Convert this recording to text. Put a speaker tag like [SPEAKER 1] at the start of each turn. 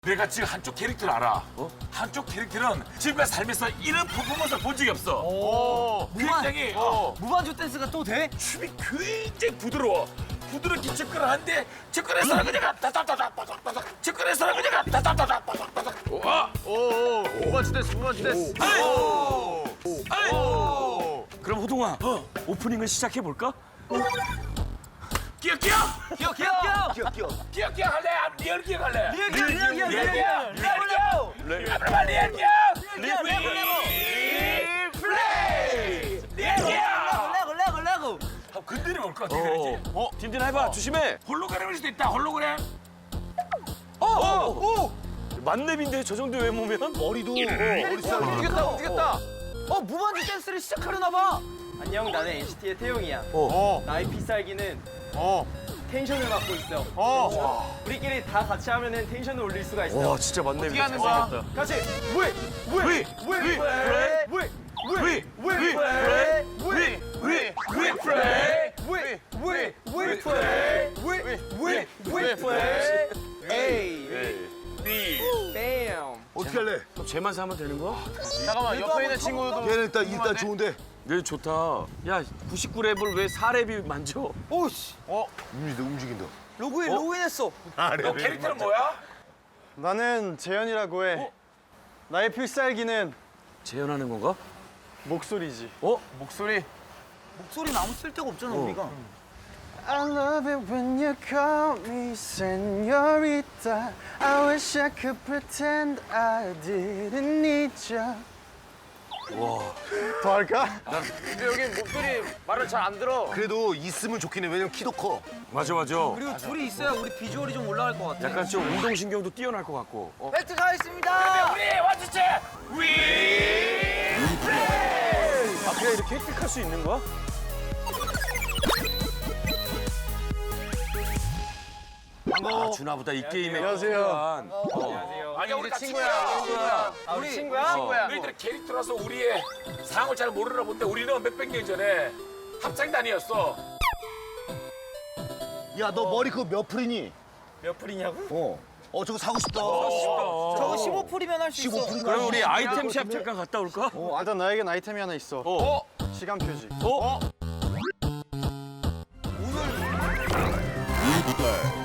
[SPEAKER 1] 내가 지금 한쪽 캐릭터를 알아. 한쪽 캐릭터는 지금까지 살면서 이런 퍼포먼스를 본 적이 없어. 굉장히
[SPEAKER 2] 무반주 댄스가 또 돼?
[SPEAKER 1] 춤이 굉장히 부드러워. 부드럽게 접근하는데 접근해서는 그냥 따따따따따따 접근해서는 그냥 따따따따따따.
[SPEAKER 3] 무반주 댄스, 무반주 댄스.
[SPEAKER 4] 그럼 호동아, 오프닝을 시작해 볼까?
[SPEAKER 1] 끼어 끼어
[SPEAKER 2] 기억 기억 기억
[SPEAKER 1] 끼어 끼어 할래? 리얼 끼어 할래?
[SPEAKER 2] 리얼 기억 리얼 기억
[SPEAKER 1] 리얼 끼어 리얼 끼어 플레이 리얼 끼어
[SPEAKER 2] 레고
[SPEAKER 1] 한번 건드려 볼 것 같아. 그러지?
[SPEAKER 4] 딘딘 해봐, 조심해.
[SPEAKER 1] 홀로그램일 수도 있다. 홀로그램.
[SPEAKER 4] 만렙인데 저 정도 외모면?
[SPEAKER 3] 머리도 머리 스타일.
[SPEAKER 2] 움직였다 움직였다 무반주 댄스를 시작하려나 봐
[SPEAKER 5] 안녕, 나는 NCT의 태용이야. 나의 필살기는 텐션을 맡고 있어. 우리끼리 다 같이 하면은 텐션을 올릴 수가 있어.
[SPEAKER 4] 와, 진짜 만렙이다.
[SPEAKER 3] 하는 거야?
[SPEAKER 5] 같이
[SPEAKER 3] 어떻게 할래?
[SPEAKER 4] 그럼 쟤만 사면 되는 거야?
[SPEAKER 3] 잠깐만, 옆에 있는 친구도.
[SPEAKER 6] 얘는 일단 좋은데.
[SPEAKER 4] 네, 좋다. 야, 99랩을 왜 4랩이 만져?
[SPEAKER 2] 오씨
[SPEAKER 6] 움직인다.
[SPEAKER 2] 로그인했어
[SPEAKER 1] 너 캐릭터는 뭐야?
[SPEAKER 5] 나는 재현이라고 해. 나의 필살기는
[SPEAKER 4] 재현하는 건가?
[SPEAKER 5] 목소리지.
[SPEAKER 3] 목소리.
[SPEAKER 2] 목소리는 아무 쓸데가 없잖아 우리가
[SPEAKER 5] I love it when you call me señorita. I wish I could pretend I didn't need you. 더 할까?
[SPEAKER 3] 근데 여기 목소리 말을 잘 안 들어.
[SPEAKER 6] 그래도 있으면 좋긴 해. 왜냐면 키도 커.
[SPEAKER 4] 맞아.
[SPEAKER 2] 그리고 둘이 있어야 우리 비주얼이 좀 올라갈 것 같아
[SPEAKER 4] 약간 좀 운동신경도 뛰어날 것 같고.
[SPEAKER 2] 벨트 가겠습니다
[SPEAKER 1] 우리 완주체 위.
[SPEAKER 4] 아, 그냥 이렇게 획득할 수 있는 거야? 아, 준하보다 이 게임에
[SPEAKER 5] 안녕하세요.
[SPEAKER 1] 아니야 우리 친구야.
[SPEAKER 5] 우리 친구야?
[SPEAKER 1] 너희들 캐릭터라서 우리의 상황을 잘 모르나 본데 우리는 몇백 년 전에 합창단이었어.
[SPEAKER 6] 야, 너 머리 그거 몇 풀이니?
[SPEAKER 5] 몇 풀이냐고?
[SPEAKER 6] 저거 사고 싶다.
[SPEAKER 2] 저거 15풀이면 할 수 있어
[SPEAKER 6] 15풀인가?
[SPEAKER 4] 그럼 우리 아이템샵 잠깐 갔다 올까?
[SPEAKER 5] 일단 나에겐 아이템이 하나 있어. 시간 표지.
[SPEAKER 6] 이쁘다.